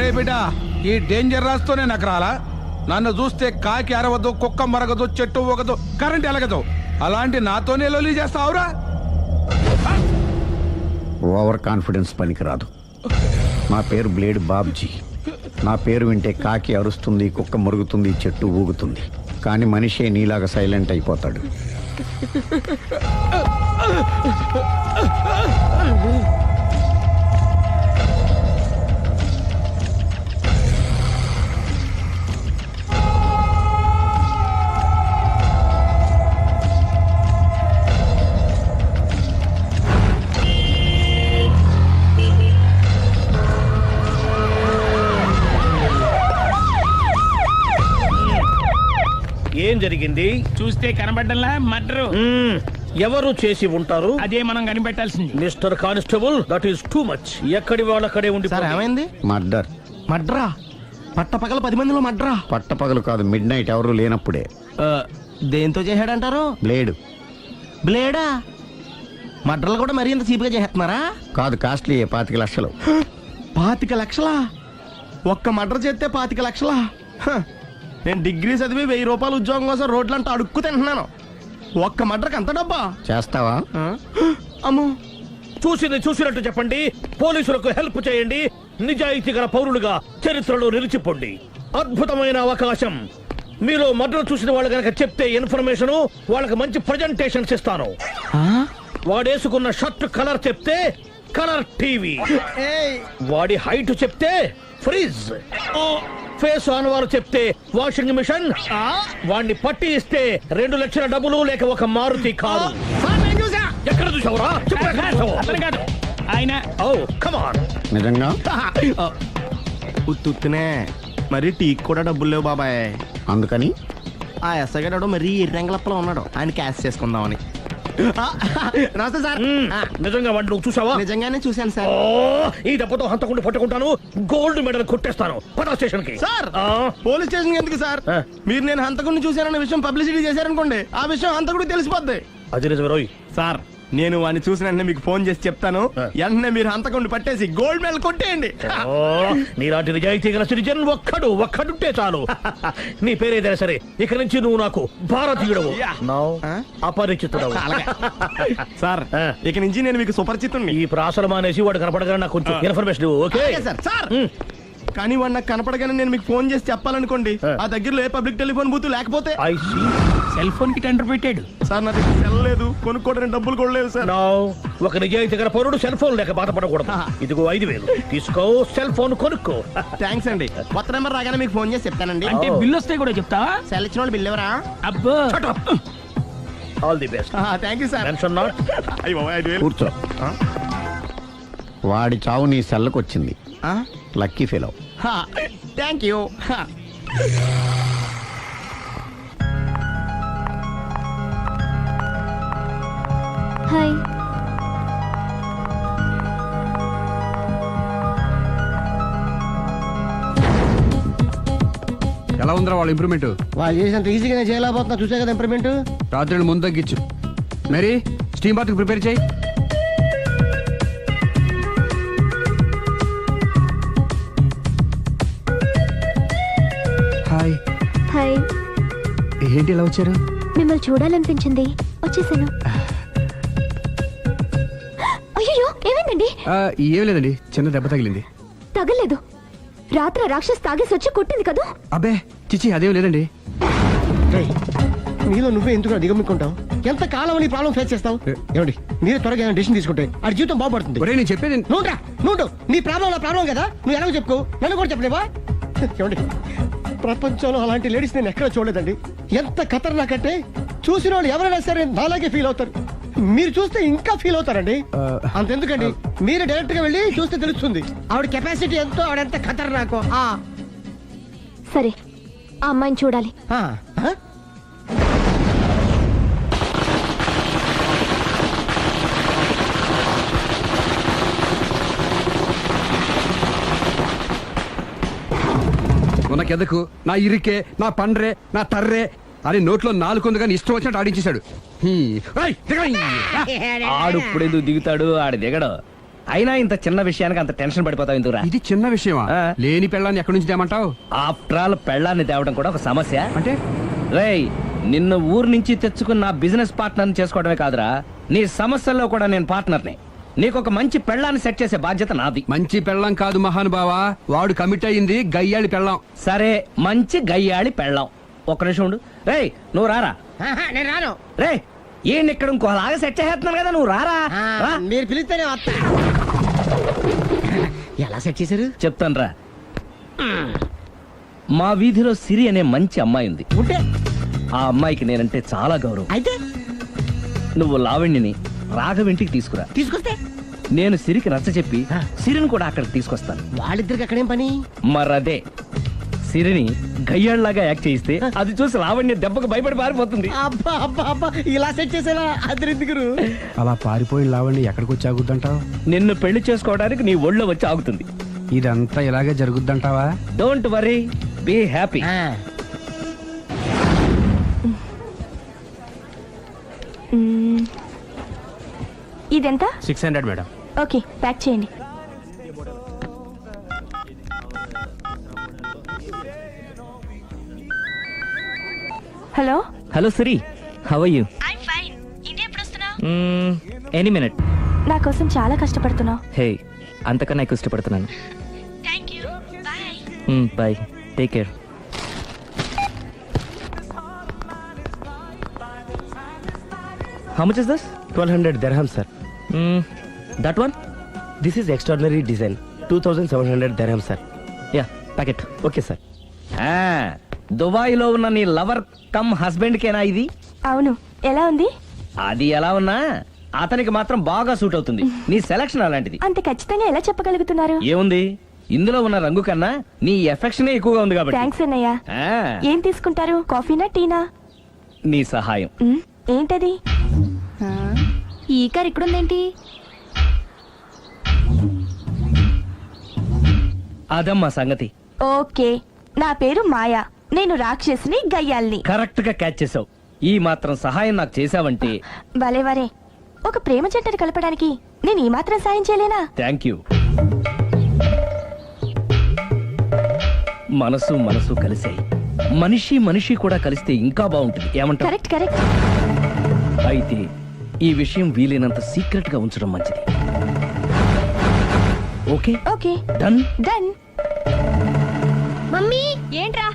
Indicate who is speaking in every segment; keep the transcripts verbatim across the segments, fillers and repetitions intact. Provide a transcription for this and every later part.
Speaker 1: బిడ్డ ఈ డేంజర్ రాస్తూనే నాకు రాలా. నన్ను చూస్తే కాకి అరవదు, కుక్క మరగదు, చెట్టు ఒకదు, కరెంట్ ఎలగదు. అలాంటి నాతోనే లొలి చేస్తావురా?
Speaker 2: ఓవర్ కాన్ఫిడెన్స్ పనికిరాదు. నా పేరు బ్లేడ్ బాబ్జీ. నా పేరు వింటే కాకి అరుస్తుంది, కుక్క మురుగుతుంది, చెట్టు ఊగుతుంది. కానీ మనిషే నీలాగా సైలెంట్ అయిపోతాడు.
Speaker 3: ఏం జరిగింది?
Speaker 4: చూస్తే కనబడ్డంలా మర్డరు.
Speaker 3: ఎవరు చేసి ఉంటారు?
Speaker 4: అదే మనం కనిపెట్టాల్సింది.
Speaker 3: Mister constable, that is too much. ఎక్కడి వాళ్ళక్కడే ఉండి.
Speaker 5: సార్ ఏమైంది?
Speaker 2: మర్డర్.
Speaker 5: మడ్రా? పట్ట పగల పది మందిలో మడ్రా?
Speaker 2: పట్టపగలు కాదు, మిడ్ నైట్ ఎవరు లేనప్పుడే.
Speaker 5: దేంతో చేశాడంటారు?
Speaker 2: బ్లేడ్.
Speaker 5: బ్లేడా? మడ్రలు కూడా మరీ ఇంత చీప్గా చేస్తున్నారా?
Speaker 2: కాదు, కాస్ట్లీ. పాతిక లక్షలు.
Speaker 5: పాతిక లక్షలా? ఒక్క మడ్ర చేస్తే పాతిక లక్షలా? హ, నేను డిగ్రీ చదివి వెయ్యి రూపాయలు ఉద్యోగం కోసం రోడ్లంతా అడుక్కు తింటున్నాను. ఒక్క మడ్రకు అంత డబ్బా?
Speaker 2: చేస్తావా?
Speaker 5: అమ్మో.
Speaker 3: చూసింది చూసినట్టు చెప్పండి. పోలీసులకు హెల్ప్ చేయండి. నిజాయితీ గల పౌరులుగా చరిత్రలో నిలిచిపోండి. అద్భుతమైన అవకాశం. మీలో మర్డర్ చూసిన వాళ్ళు కనుక చెప్తే ఇన్ఫర్మేషన్, వాళ్ళకి మంచి ప్రజెంటేషన్స్ ఇస్తాను. వాడేసుకున్న షర్ట్ కలర్ చెప్తే కలర్ టీవీ, వాడి హైట్ చెప్తే ఫ్రిజ్, ఫేస్ ఆన్ వారు చెప్తే వాషింగ్ మిషన్, వాడిని పట్టి ఇస్తే రెండు లక్షల డబ్బులు లేక ఒక మారుతి కారు. ఎక్కడ చూసావురా?
Speaker 4: ఆయన
Speaker 2: నిజంగా
Speaker 5: ఉత్తునే మరి టీకి కూడా డబ్బులు లేవు బాబాయ్.
Speaker 2: అందుకని
Speaker 5: ఆ ఎస్ఐగాడు మరీ ఎర్రంగలప్పలో ఉన్నాడు, ఆయన క్యాష్ చేసుకుందామని. నమస్తే సార్.
Speaker 3: నిజంగా వాడిని నువ్వు చూసావా?
Speaker 5: నిజంగానే చూశాను సార్.
Speaker 3: ఈ దెబ్బతో హంతకుండా పట్టుకుంటాను, గోల్డ్ మెడల్ కొట్టేస్తాను. పటా స్టేషన్ కి.
Speaker 5: సార్, పోలీస్ స్టేషన్ ఎందుకు సార్? మీరు నేను హంతకుడిని చూశానన్న విషయం పబ్లిసిటీ చేశారనుకోండి, ఆ విషయం హంతకుడికి తెలిసిపోద్ది.
Speaker 3: అది నిజమే రోయ్.
Speaker 5: సార్, నేను వాడిని చూసిన వెంటనే మీకు ఫోన్ చేసి చెప్తాను. వెంటనే మీరు హంతకుడిని పట్టేసి గోల్డ్ మెడల్ కొట్టేయండి.
Speaker 3: నీలాంటి నిజాయితీ గల సిటిజన్ ఒక్కడు ఒక్కడుంటే చాలు. నీ పేరేదైనా సరే, ఇక నుంచి నువ్వు నాకు భారతీయుడవు, అపరిచితుడవు.
Speaker 5: సార్, ఇక నుంచి నేను మీకు సుపరిచితుడిని.
Speaker 3: ఈ ప్రాసలు మానేసి వాడు కనపడగానే నాకు కొంచెం ఇన్ఫర్మేషన్. Okay
Speaker 5: sir. సార్, కానీ వాడు నాకు కనపడగానే నేను మీకు ఫోన్ చేసి చెప్పాలనుకోండి, ఆ దగ్గరలో ఏ పబ్లిక్ టెలిఫోన్ బూత్ లేకపోతే.
Speaker 4: సెల్ ఫోన్ కి టెండర్ పెట్టాడు
Speaker 5: సార్. నా దగ్గర సెల్ లేదు, కొనుక్కోవడానికి డబ్బులు కూడా లేవు సార్.
Speaker 3: ఒక నిజాయితీ గల పౌరుడు సెల్ ఫోన్ లేక బాధపడకూడదు. ఇదిగో ఐదు వేలు తీసుకో, సెల్ ఫోన్ కొనుక్కో.
Speaker 5: థ్యాంక్స్ అండి. కొత్త నెంబర్ రాగానే మీకు ఫోన్ చేసి చెప్తానండి.
Speaker 4: అంటే బిల్ వస్తే కూడా చెప్తావా?
Speaker 5: సెల్ ఇచ్చిన వాళ్ళు బిల్ ఎవరా?
Speaker 4: అబ్బో.
Speaker 3: All the best.
Speaker 5: Thank you sir.
Speaker 3: Mention not.
Speaker 2: కూర్చో. వాడి చావు నీ సెల్లకు వచ్చింది. Lucky fellow.
Speaker 5: Thank you.
Speaker 6: Hi.
Speaker 1: ఎలా ఉందిరా వాళ్ళ ఇంప్రూవ్మెంట్?
Speaker 5: వాళ్ళు చేసినంత ఈజీగా చేయలేకపోతున్నా, చూసే కదా ఇంప్రూవ్మెంట్.
Speaker 1: రాత్రి ముందు తగ్గించు. మరి స్టీమ్ బాత్ ప్రిపేర్ చేయి. హాయ్.
Speaker 6: హాయ్.
Speaker 1: ఏంటి ఇలా వచ్చారు?
Speaker 6: మిమ్మల్ని చూడాలనిపించింది, వచ్చేసాను. అయ్యో, ఏమైందండి?
Speaker 1: ఏం లేదండి, చిన్న దెబ్బ తగిలింది.
Speaker 6: తగలేదు. రాత్రి రాక్షస్ తాగేసి వచ్చి కొట్టింది కదా?
Speaker 1: అబ్బే చిచి, అదేం లేదండి.
Speaker 5: నీలో నువ్వే ఎందుకు దిగమ్ముకుంటావు? ఎంత కాలం నీ ప్రాబ్లం ఫేస్ చేస్తావు? ఏమండి, మీరే త్వరగా ఏమైనా డిసిషన్ తీసుకుంటే ఆ జీవితం బాగుపడుతుంది.
Speaker 1: ఒరేయ్, నేను చెప్పేది
Speaker 5: నువ్వురా, నువ్వు నీ ప్రాబ్లం నా ప్రాబ్లం కదా, నువ్వు ఎలాగో చెప్పుకో, నన్ను కూడా చెప్పలేవా? ఏమండి, ప్రపంచంలో అలాంటి లేడీస్ నేను ఎక్కడ చూడలేదండి. ఎంత ఖతర్నాకంటే చూసిన వాళ్ళు ఎవరైనా సరే నాలాగే ఫీల్ అవుతారు. మీరు చూస్తే ఇంకా ఫీల్ అవుతారండి. అంతెందుకండి, మీరు డైరెక్ట్ గా వెళ్ళి చూస్తే తెలుస్తుంది ఆవిడ కెపాసిటీ ఎంతో, ఆవిడ ఎంత ఖతర్నాకో.
Speaker 6: సరే, ఆ అమ్మాయిని చూడాలి.
Speaker 1: ఉనకెదకు, నా ఇరికే, నా పండ్రే, నా తర్రే అని నోట్లో నాలుగు కానీ ఇష్టం వచ్చినట్టు ఆడించేశాడు.
Speaker 4: ఆడు ఇప్పుడు ఎందుకు దిగుతాడు? ఆడు దిగడు.
Speaker 7: అయినా ఇంత చిన్న విషయానికి అంత టెన్షన్ పడిపోతావు ఎందుకురా?
Speaker 8: ఇది చిన్న విషయమా?
Speaker 7: ఆ.
Speaker 8: లేని పెళ్ళాన్ని ఎక్కడి నుంచి తేమంటావు?
Speaker 7: ఆఫ్టర్ ఆల్ పెళ్ళాన్ని తేవడం కూడా ఒక సమస్య.
Speaker 8: అంటే
Speaker 7: రేయ్, నిన్ను ఊరు నుంచి తెచ్చుకున్న నా బిజినెస్ పార్ట్నర్ని చేసుకోవడమే కాదురా, నీ సమస్యల్లో కూడా నేను పార్ట్నర్ని. నీకు ఒక మంచి పెళ్ళాన్ని సెట్ చేసే బాధ్యత నాది.
Speaker 8: మంచి పెళ్ళం కాదు మహానుభావా, వాడు కమిట్ అయ్యింది గయ్యాళి పెళ్ళం.
Speaker 7: సరే, మంచి గయ్యాళి పెళ్ళాం. ఒక్క నిమిషం ఉండు. రేయ్, నువ్వు రారా.
Speaker 5: ఆహా, నేను రాను.
Speaker 7: రే, ఈయన ఇక్కడ ఇంకోలాగా సెట్ చేస్తున్నాను కదా, నువ్వు రారా.
Speaker 5: ఆ,
Speaker 7: రా.
Speaker 5: మీరు పిలిస్తేనే వస్తా. ఎలా సెట్ చేశారు?
Speaker 7: చెప్తాను రా. మా వీధిలో సిరి అనే మంచి అమ్మాయి ఉంది.
Speaker 5: ఉంటే
Speaker 7: ఆ అమ్మాయికి నేనంటే చాలా గౌరవం.
Speaker 5: అయితే
Speaker 7: నువ్వు లావణ్యని రాఘవింటికి తీసుకురా.
Speaker 5: తీసుకొస్తే
Speaker 7: నేను సిరికి నచ్చ చెప్పి సిరిని కూడా అక్కడికి తీసుకొస్తాను.
Speaker 5: వాళ్ళిద్దరికి అక్కడేం పని?
Speaker 7: మరదే, సిరిని గయ్యాళ్లాగా యాక్ట్ చేయిస్తే అది చూసి లావణ్య దెబ్బకు భయపడి పారిపోతుంది.
Speaker 5: అబ్బా అబ్బా అబ్బా, ఇలా సెట్ చేసేలా అద్దరెందుకు?
Speaker 8: అలా పారిపోయిన లావండి ఎక్కడికి వచ్చి ఆగుద్దంటావు?
Speaker 7: నిన్ను పెళ్లి చేసుకోవడానికి నీ ఒళ్ళో వచ్చి ఆగుతుంది.
Speaker 8: ఇదంతా ఇలాగే జరుగుద్దంటావా?
Speaker 7: Don't worry, be happy.
Speaker 6: Hmm. ఇదెంత?
Speaker 8: Six hundred madam.
Speaker 6: Okay, pack చేయండి. Hello,
Speaker 7: hello Siri, how are you? Any minute.
Speaker 6: నా కోసం చాలా కష్టపడుతున్నావు.
Speaker 7: హే, అంతకన్నా ఎక్కువ ఇష్టపడుతున్నాను. Bye, take care. How much is this?
Speaker 9: twelve hundred dirham, sir.
Speaker 7: Mm, that one?
Speaker 9: This is extraordinary design. two thousand seven hundred dirham, sir.
Speaker 7: Yeah, pack it.
Speaker 9: Okay, sir.
Speaker 7: Dubai లో ఉన్న నీ lover come husband కేనా ఇది?
Speaker 6: అవును, ఎలా ఉంది?
Speaker 7: అది ఎలా ఉన్నా అతనికి మాత్రం బాగా సూట్ అవుతుంది. నీ సెలక్షన్ అలాంటిది.
Speaker 6: అంత ఖచ్చితంగా ఎలా చెప్పగలుగుతున్నారు?
Speaker 7: ఏముంది, ఇందులో ఉన్న రంగు కన్నా నీ ఎఫెక్షన్ ఎక్కువగా ఉంది కాబట్టి.
Speaker 6: థ్యాంక్స్ అన్నయ్య.
Speaker 7: ఆ,
Speaker 6: ఏం తీసుకుంటారు, కాఫీనా టీనా?
Speaker 7: నీ సహాయం.
Speaker 6: మ్మ్, ఏంటది? ఈ కార్ ఇక్కడుందేంటి?
Speaker 7: అదమ్మా సంగతి.
Speaker 6: ఓకే, నా పేరు మాయా. నేను రాక్షసిని, గయ్యాల్ని.
Speaker 7: కరెక్ట్ గా క్యాచ్ చేసావు. ఈ మాత్రం సహాయం నాకు చేసావంటే.
Speaker 6: వలే వరే, ఒక ప్రేమ జంటను కలపడానికి నేను ఈ మాత్రం సాయం చేయలేనా?
Speaker 7: Thank you. మనసు మనసు కలిసాయి, మనిషి మనిషి కూడా కలిస్తే ఇంకా బాగుంటుంది. ఏమంటావు?
Speaker 6: Correct correct.
Speaker 7: అయితే ఈ విషయం వీలైనంత సీక్రెట్ గా ఉంచడం మంచిది. Okay
Speaker 6: okay,
Speaker 7: done.
Speaker 6: Done.
Speaker 10: Mummy,
Speaker 6: ఏంట్రా?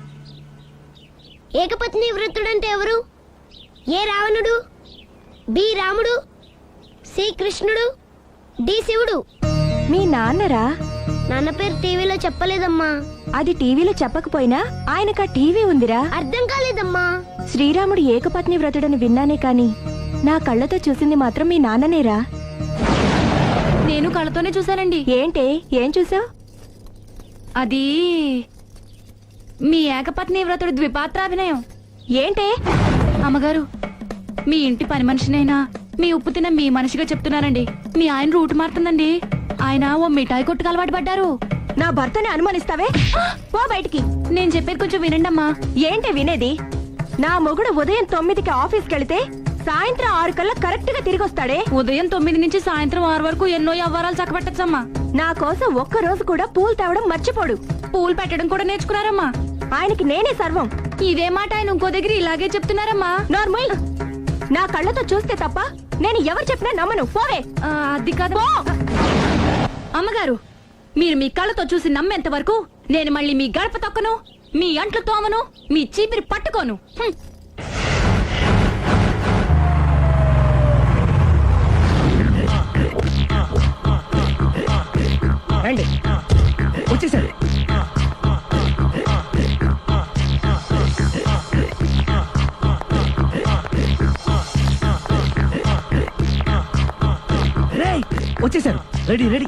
Speaker 10: ఏకపత్ని వృత్తుడంటే ఎవరు? ఏ రావణుడు, బి రాముడు, సి కృష్ణుడు, డి శివుడు.
Speaker 6: మీ నాన్నరా?
Speaker 10: నాన్న పేరు టీవీలో చెప్పలేదమ్మా.
Speaker 6: అది టీవీలో చెప్పకపోయినా ఆయనకా టీవీ ఉందిరా.
Speaker 10: అర్థం కాలేదమ్మా.
Speaker 6: శ్రీరాముడు ఏకపత్ని వ్రతుడని విన్నానే కాని నా కళ్ళతో చూసింది మాత్రం మీ నాన్ననేరా.
Speaker 11: నేను కళ్ళతోనే చూశానండి.
Speaker 6: ఏంటే, ఏం చూసావు?
Speaker 11: అది మీ ఏకపత్ని వ్రతుడి ద్విపాత్రాభినయం.
Speaker 6: ఏంటే?
Speaker 11: అమ్మగారు, మీ ఇంటి పని మనిషినైనా మీ ఉప్పు తిన్న మీ మనిషిగా చెప్తున్నానండి. మీ ఆయన రూటు మారుతుందండి. ఆయన ఓ మిఠాయి కొట్టుకు అలవాటు పడ్డారు.
Speaker 6: నా భర్తని అనుమానిస్తావే? పో బయటికి.
Speaker 11: నేను చెప్పేది కొంచెం వినండి అమ్మా.
Speaker 6: ఏంటి వినేది? నా మొగుడు ఉదయం తొమ్మిదికి ఆఫీస్కి వెళితే సాయంత్రం ఆరు కల్లా కరెక్ట్ గా తిరిగి వస్తాడే.
Speaker 11: ఉదయం తొమ్మిది నుంచి సాయంత్రం ఆరు వరకు ఎన్నో వ్యవహారాలు చక్కబెట్టచ్చమ్మా.
Speaker 6: నా కోసం ఒక్క రోజు కూడా పూలు తేవడం మర్చిపోడు.
Speaker 11: పూలు పెట్టడం కూడా నేర్చుకున్నారమ్మా.
Speaker 6: ఆయనకి నేనే సర్వం.
Speaker 11: ఇదే మాట ఆయన ఇంకో దగ్గర ఇలాగే చెప్తున్నారమ్మా.
Speaker 6: నార్మల్, నా కళ్ళతో చూస్తే తప్ప నేను ఎవరు చెప్పినా నమ్మను. పోవే.
Speaker 11: ఆ, అది కాదు అమ్మగారు. మీరు మీ కళ్ళతో చూసి నమ్మేంత వరకు నేను మళ్ళీ మీ గడప తొక్కను, మీ అంట్లు తోమను, మీ చీపిరి పట్టుకోను. హ్మ్.
Speaker 7: రండి, వచ్చేసాడు. రేయ్, వచ్చేసారు. Ready ready.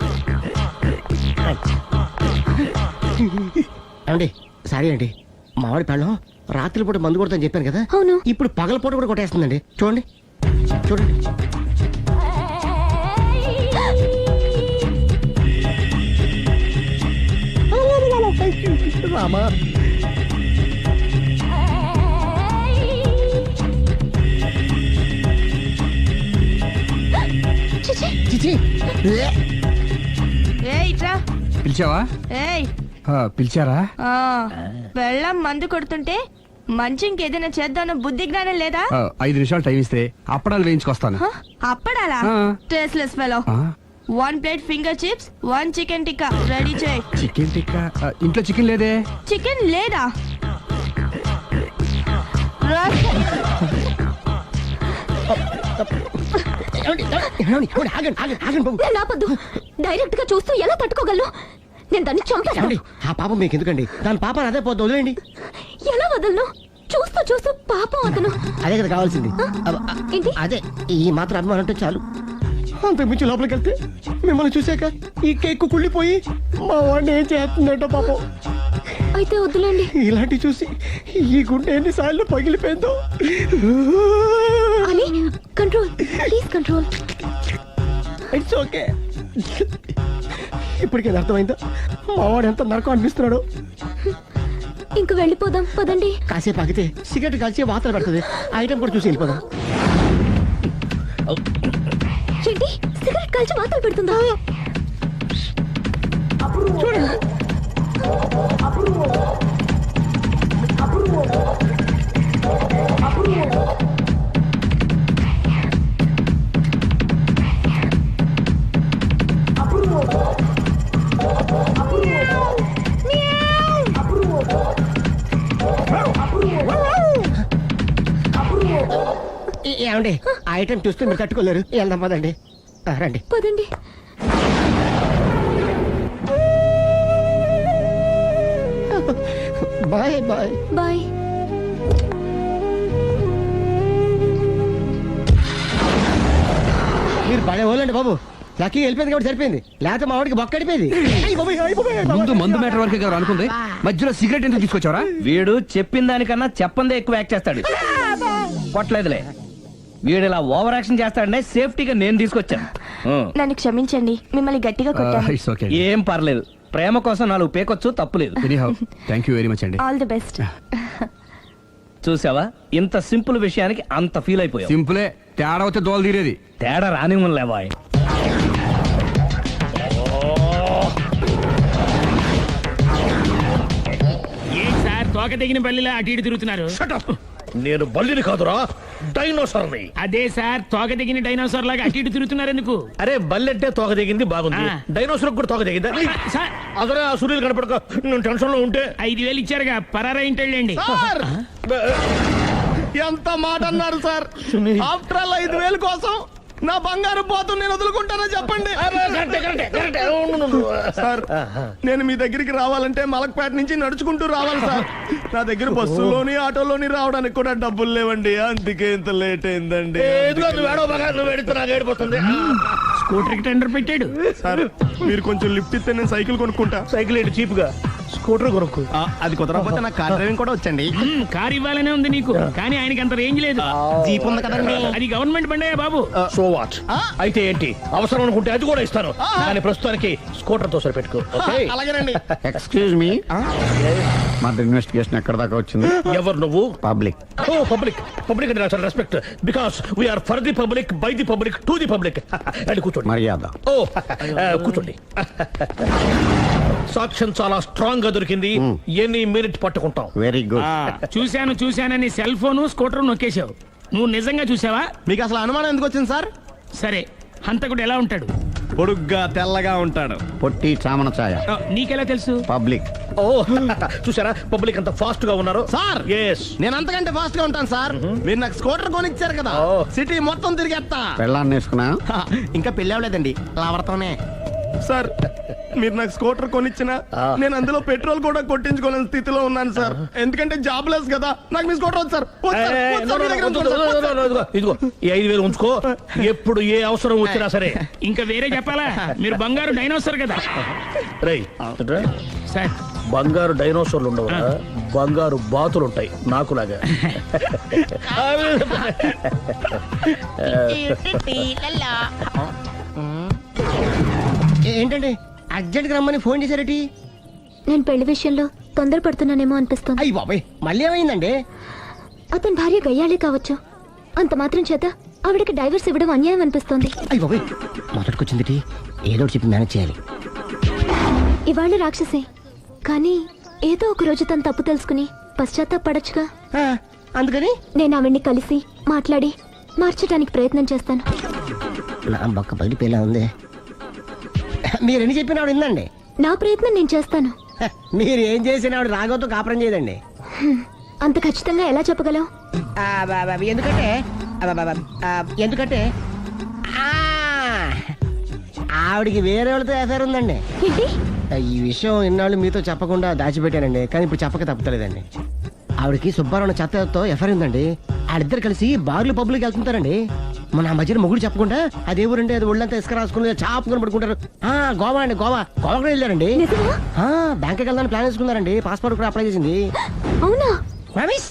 Speaker 5: అండి, సారీ అండి, మామిడి పళ్ళం రాత్రిపూట మందు కొడతాను చెప్పాను కదా.
Speaker 6: అవును.
Speaker 5: ఇప్పుడు పగలపూట కూడా కొట్టేస్తుందండి. చూడండి చూడండి. రామా, చిచి
Speaker 6: రా.
Speaker 8: పిలిచావా
Speaker 6: ఏయ్
Speaker 8: ఆ, పిలిచారా
Speaker 6: ఆ, వెళ్ళం మందు కొడుతుంటే మంచి ఇంకేదైనా చేద్దామన్న బుద్ధి జ్ఞానం లేదా?
Speaker 8: ఆ, ఐదు నిమిషాలు టైం ఇస్తే అప్పడాలు వేయించుకొస్తాను
Speaker 6: హ? అప్పడాలా?
Speaker 8: ఆ.
Speaker 6: Tasteless fellow.
Speaker 8: ఆ,
Speaker 6: one plate finger chips, one chicken tikka ready చేయి.
Speaker 8: చికెన్ టిక్కా ఆ, ఇంట్లో చికెన్ లేదే.
Speaker 6: చికెన్ లేదా? రా.
Speaker 5: ఏమండి? ఏమండి? ఏమండి? ఆగండి ఆగండి ఆగండి బాబు.
Speaker 11: నేను ఆపొద్దు. డైరెక్ట్ గా చూస్తూ ఎలా తట్టుకోగలను? నేను దాన్ని చంపాను.
Speaker 5: ఏమండి? ఆ పాపం మీకు ఎందుకండి? దాని పాప అదే పోతుంది, వదిలేండి.
Speaker 11: ఎలా వదలను? చూస్తూ చూస్తూ పాపం అతను.
Speaker 5: అదే కదా కావాల్సింది. అబ్బ, అ-
Speaker 11: ఏంటి?
Speaker 5: అదే ఈ మాత్రం అభిమానం అంటే చాలు. అంతకు మించి లోపలికి వెళ్తే మిమ్మల్ని చూసాక ఈ కేక్ కుళ్ళిపోయి మా వాడిని ఏం చేస్తుందంటో పాపం.
Speaker 11: అయితే వద్దులేండి.
Speaker 5: ఇలాంటి చూసి ఈ గుండె ఎన్నిసార్లు పగిలిపోయిందో.
Speaker 11: అని control, please control.
Speaker 5: It's okay. ఇప్పటికే అర్థమైందా మా వాడు ఎంత నరకం అనిపిస్తున్నాడు?
Speaker 11: ఇంక వెళ్ళిపోదాం పదండి.
Speaker 5: కాసేపు ఆగితే సిగరెట్ కాల్చి వాతలు పడుతుంది. ఆ ఐటమ్ కూడా చూసి వెళ్ళిపోదాం.
Speaker 11: ఏంటి సిగరెట్ కాల్చి వాతలు పెడుతుందా?
Speaker 5: చూడండి. ఏ- ఏమండి ఆ ఐటమ్ చూస్తే మీరు తట్టుకోలేరు. వెళ్దాం పదండి. ఆ, రండి.
Speaker 11: పదండి.
Speaker 5: Bye bye.
Speaker 11: బాయ్.
Speaker 5: మీరు పడే వాళ్ళండి బాబు. లక్కీ వెళ్ళిపోయింది కాబట్టి సరిపోయింది, లేకపోతే మా వాడికి బొక్క అడిపోయింది.
Speaker 8: ముందు మందు మ్యాటర్ వరకే కదా అనుకుంది, మధ్యలో సిగరెట్ ఎందుకు తీసుకొచ్చావరా?
Speaker 7: వీడు చెప్పిన దానికన్నా చెప్పందే ఎక్కువ యాక్ట్ చేస్తాడు. కొట్టలేదులే, వీడు ఇలా ఓవర్ యాక్షన్ చేస్తాడనే సేఫ్టీగా నేను తీసుకొచ్చాను. ఆ.
Speaker 6: నన్ను క్షమించండి, మిమ్మల్ని గట్టిగా కొట్టాను.
Speaker 8: It's okay.
Speaker 7: ఏం పర్లేదు, ప్రేమ కోసం నాలుగు పేకొచ్చు, తప్పులేదు.
Speaker 8: Anyhow thank you very much అండి.
Speaker 6: All the best.
Speaker 7: చూసావా, ఇంత సింపుల్ విషయానికి అంత ఫీల్ అయిపోయావు.
Speaker 8: సింపులే, తేడా వస్తే దోలు తీరేది.
Speaker 7: తేడా రాని లేవా?
Speaker 4: ఏంటి సార్ తోక తెగిన బల్లిలా అటు ఇటు తిరుగుతున్నారు?
Speaker 3: నేను బల్లిని కాదురా, డైనోసార్ని.
Speaker 4: అదే సార్ తోక తెగిన డైనోసార్ లాగా అటు ఇటు తిరుగుతున్నారు ఎందుకు?
Speaker 3: అరే బల్లెట్టే తోక దిగింది బాగుంది,
Speaker 4: ఆ.
Speaker 3: డైనోసార్ కూడా తోక దిగిందా?
Speaker 4: సార్
Speaker 3: అదరే ఆ సూర్యులు కనపడక నేను టెన్షన్ లో ఉంటే.
Speaker 4: ఐదు వేలు ఇచ్చారుగా, పరారా ఇంటండి.
Speaker 5: ఎంత మాట అన్నారు సార్? ఆఫ్టర్ ఆల్ ఐదు వేలు కోసం నా బంగారు పోతు నేను వదులుకుంటానో చెప్పండి సార్. నేను మీ దగ్గరికి రావాలంటే మలక్పేట నుంచి నడుచుకుంటూ రావాలి సార్. నా దగ్గర బస్సులోని ఆటోలోని రావడానికి కూడా డబ్బులు లేవండి, అందుకే ఇంత లేట్ అయిందండి.
Speaker 4: స్కూటర్ కి టెండర్ పెట్టాడు
Speaker 5: సార్ మీరు కొంచెం లిఫ్ట్ ఇస్తే నేను సైకిల్ కొనుక్కుంటా.
Speaker 3: సైకిల్ ఏంటి చీప్ గా, స్కూటర్ కొనుక్కు.
Speaker 5: అది కుదరకపోతే నాకు కార్ డ్రైవింగ్ కూడా వచ్చండి.
Speaker 4: మ్మ్, కారు ఇవ్వాలనే ఉంది నీకు, కానీ ఆయనకి అంత రేంజ్ లేదు.
Speaker 5: జీప్ ఉంది కదండి.
Speaker 4: అది గవర్నమెంట్ బండే బాబు.
Speaker 3: So what? అయితే ఏంటి, అవసరం అనుకుంటే అది కూడా ఇస్తాను, కానీ ప్రస్తుతానికి స్కూటర్ తో సరిపెట్టుకో. ఓకే?
Speaker 5: అలాగేనండి.
Speaker 2: ఎక్స్క్యూజ్ మీ, మా ఇన్వెస్టిగేషన్ ఎక్కడ దాకా వచ్చింది?
Speaker 3: ఎవరు నువ్వు?
Speaker 2: పబ్లిక్.
Speaker 3: ఓ పబ్లిక్. పబ్లిక్ అంటే చాలా respect, because we are for the public, by the public, to the public. అండి కూర్చోండి.
Speaker 2: మర్యాద.
Speaker 3: ఓ ఆ, కూర్చోండి. సాక్ష్యం చాలా స్ట్రాంగ్ గా దొరికింది, ఎన్ని మినిట్ పట్టుకుంటాం.
Speaker 2: Very good.
Speaker 4: చూశాను చూశానని సెల్ ఫోను స్కూటర్ నొక్కేశావు. నువ్వు నిజంగా చూసావా?
Speaker 5: మీకు అసలు అనుమానం ఎందుకు వచ్చింది సార్?
Speaker 4: సరే, హంతకుడు ఎలా ఉంటాడు?
Speaker 5: పొడుగ్గా తెల్లగా ఉంటాడు.
Speaker 2: పొట్టి చామన ఛాయ.
Speaker 4: ఆ, నీకెలా తెలుసు?
Speaker 2: పబ్లిక్.
Speaker 3: ఓ చూసారా పబ్లిక్ అంత ఫాస్ట్ గా ఉన్నారు.
Speaker 5: సార్
Speaker 3: ఎస్,
Speaker 5: నేను అంతకంటే ఫాస్ట్ గా ఉంటాను సార్. మీరు నాకు స్కూటర్ కొనిచ్చారు కదా,
Speaker 3: ఓ.
Speaker 5: సిటీ మొత్తం తిరిగేస్తా.
Speaker 2: పెళ్ళాన్ని వేసుకున్నా?
Speaker 5: హా, ఇంకా పెళ్లి అవ్వలేదండి, లావర్తోనే. సార్ మీరు నాకు స్కూటర్ కొనిచ్చిన నేను అందులో పెట్రోల్ కూడా కొట్టించుకోలేని స్థితిలో ఉన్నాను సార్. ఎందుకంటే జాబ్ లెస్ కదా, నాకు మీ స్కూటర్ వద్దు సార్. వద్దు సార్, వద్దు సార్, మీ దగ్గర ఉంచుకోండి సార్. వద్దు సార్.
Speaker 3: ఇదిగో ఇదిగో, ఈ ఐదు వేలు ఉంచుకో, ఎప్పుడు ఏ అవసరం వచ్చినా సరే.
Speaker 4: ఇంకా వేరే చెప్పాలా? మీరు బంగారు డైనోసార్ కదా.
Speaker 3: రై
Speaker 4: సార్
Speaker 3: బంగారు డైనోసార్లు ఉండవు, బంగారు బాతులు ఉంటాయి నాకులాగా.
Speaker 5: ఏంటండి అర్జెంట్ గా రమ్మని ఫోన్ చేశారటి?
Speaker 11: నేను పెళ్లి విషయంలో తొందరపడుతున్నానేమో అనిపిస్తుంది.
Speaker 5: అయ్యి బాబాయ్, మళ్ళీ ఏమైందండి?
Speaker 11: అతని భార్య గయ్యాళే కావచ్చు, అంత మాత్రం చేత ఆవిడకి డైవర్స్ ఇవ్వడం అన్యాయం అనిపిస్తోంది.
Speaker 5: అయ్యి బాబాయ్, మొదటికొచ్చింది ఏదో ఒకటి చెప్పి మేనేజ్ చేయాలి.
Speaker 6: ఇవాళ రాక్షసే కానీ ఏదో ఒక రోజు తను తప్పు తెలుసుకుని పశ్చాత్తాపడొచ్చుగా.
Speaker 5: ఆ, అందుకని
Speaker 6: నేను ఆవిడ్ని కలిసి మాట్లాడి మార్చడానికి ప్రయత్నం చేస్తాను.
Speaker 5: నా బొక్క పగిలిపోయేలా ఉంది. మీరు ఎన్ని చెప్పిన ఆవిడ ఇందండి.
Speaker 6: నా ప్రయత్నం నేను చేస్తాను.
Speaker 5: హ, మీరు ఏం చేసిన ఆవిడ రాగోతో కాపురం చేయదండి.
Speaker 6: హ్మ్. అంత ఖచ్చితంగా ఎలా చెప్పగలవు?
Speaker 5: ఆ, బా, బా, ఎందుకంటే ఆ, బా, బా, ఆ, ఎందుకంటే ఆ, ఆవిడికి వేరే వాళ్ళతో ఎఫైర్ ఉందండి.
Speaker 6: ఏంటి?
Speaker 5: ఈ విషయం ఇన్నాళ్ళు మీతో చెప్పకుండా దాచిపెట్టానండి, కానీ ఇప్పుడు చెప్పక తప్పలేదండి. ఆవిడకి సుబ్బారావు చెత్తతో ఎఫైర్ ఉందండి. వాళ్ళిద్దరు కలిసి బార్లు పబ్లిక్ వెళ్తుంటారండి. మన ఆ మధ్యన మొగుడు చెప్పకుండా అదే ఊరండి, అది ఒళ్ళంతా ఇసుక రాసుకుని చాపుకొని పడుకుంటారు. ఆ గోవా అండి, గోవా గోవా కూడా వెళ్ళారండి.
Speaker 6: నిజమా?
Speaker 5: ఆ బ్యాంక్కి వెళ్దాని ప్లాన్ వేసుకున్నారండి. పాస్పోర్ట్ కూడా అప్లై చేసింది.
Speaker 6: అవునా?
Speaker 5: రమేష్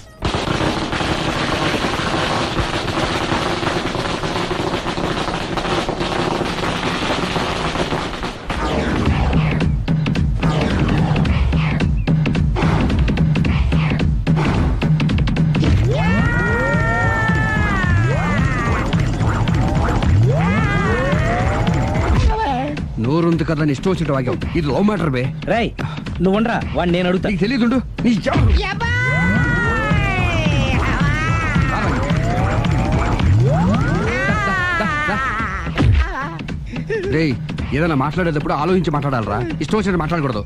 Speaker 8: నోరుంది కదా అని ఇష్టం వచ్చినట్టు వాగావు. ఇది లవ్ మ్యాటర్ బే.
Speaker 7: రై నువ్వు ఉండరా వాడిని నేను అడుగుతా.
Speaker 8: నీకు తెలియదుండు నీ జాబ్. రేయ్ ఏదైనా మాట్లాడేటప్పుడు ఆలోచించి మాట్లాడాలరా, ఇష్టం వచ్చినట్టు మాట్లాడకూడదు.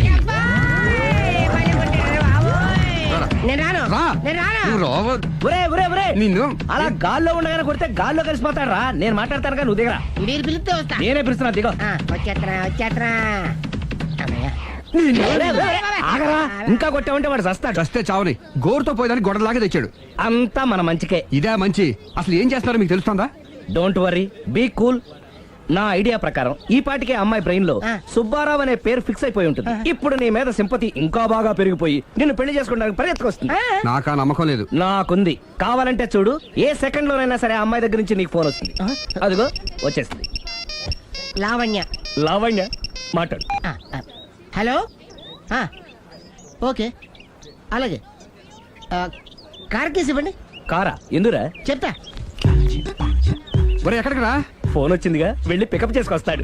Speaker 5: నేను రాను,
Speaker 8: రా.
Speaker 5: నేను రాను.
Speaker 8: నువ్వు రావ-
Speaker 7: ఒరే ఒరే ఒరే
Speaker 8: నిన్ను
Speaker 7: అలా గాల్లో ఉండగానే కొడితే గాల్లో కలిసిపోతాడు రా. నేను మాట్లాడతాను కానీ నువ్వు దిగరా.
Speaker 5: మీరు పిలిస్తే వస్తా.
Speaker 7: నేనే పిలుస్తున్నా దిగో.
Speaker 5: ఆ, వచ్చేత్తరా వచ్చేత్తరా. అమ్మయ్య.
Speaker 7: ఒరే, ఒరే, ఆగరా. ఇంకా కొట్టావంటే వాడు చస్తాడు.
Speaker 8: చస్తే చావని గోరుతో పోయేదానికి గొడవలాగా తెచ్చాడు.
Speaker 7: అంతా మన మంచికే.
Speaker 8: ఇదే మంచి. అసలు ఏం చేస్తారో మీకు తెలుస్తుందా?
Speaker 7: Don't worry, be cool. నా ఐడియా ప్రకారం ఈ పాటికే అమ్మాయి బ్రెయిన్ లో
Speaker 5: ఆ.
Speaker 7: సుబ్బారావు అనే పేరు ఫిక్స్ అయిపోయి ఉంటుంది. ఇప్పుడు నీ మీద సింపతి ఇంకా బాగా పెరిగిపోయి నిన్ను పెళ్లి చేసుకోవడానికి పరిగెత్తుకొస్తుంది.
Speaker 8: నాకా నమ్మకం లేదు.
Speaker 7: నాకుంది. కావాలంటే చూడు, ఏ సెకండ్ లోనైనా సరే ఆ అమ్మాయి దగ్గర నుంచి నీకు ఫోన్ వస్తుంది. అదిగో వచ్చేస్తుంది.
Speaker 5: లావణ్య.
Speaker 7: లావణ్య మాట్లాడు.
Speaker 5: ఆ, ఆ. హలో ఆ, ఓకే అలాగే. ఆ, కార్ కేసు ఇవ్వండి.
Speaker 7: కారా ఎందురా?
Speaker 5: చెప్తా.
Speaker 8: ఒరే ఎక్కడికి రా?
Speaker 7: ఫోన్ వచ్చిందిగా, వెళ్ళి పికప్ చేసుకొస్తాడు.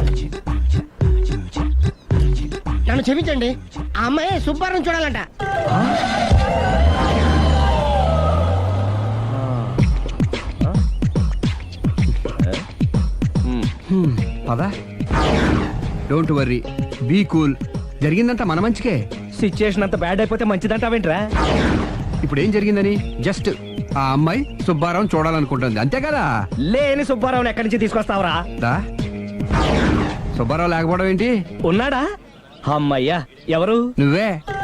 Speaker 5: నన్ను క్షమించండి, ఆ అమ్మాయి సుబ్బారావు చూడాలంట.
Speaker 8: పదా. Don't worry, be cool. జరిగిందంతా మన మంచికే.
Speaker 7: సిచ్యుయేషన్ అంత బ్యాడ్ అయిపోతే మంచిదంటావేంట్రా?
Speaker 8: ఇప్పుడు ఏం జరిగిందని జస్ట్ ఆ అమ్మాయి సుబ్బారావు చూడాలనుకుంటుంది అంతే కదా.
Speaker 7: లేని సుబ్బారావుని ఎక్కడి నుంచి తీసుకొస్తావురా?
Speaker 8: దా. సుబ్బారావు లేకపోవడం ఏంటి?
Speaker 7: ఉన్నాడా? అమ్మయ్యా, ఎవరు?
Speaker 8: నువ్వే.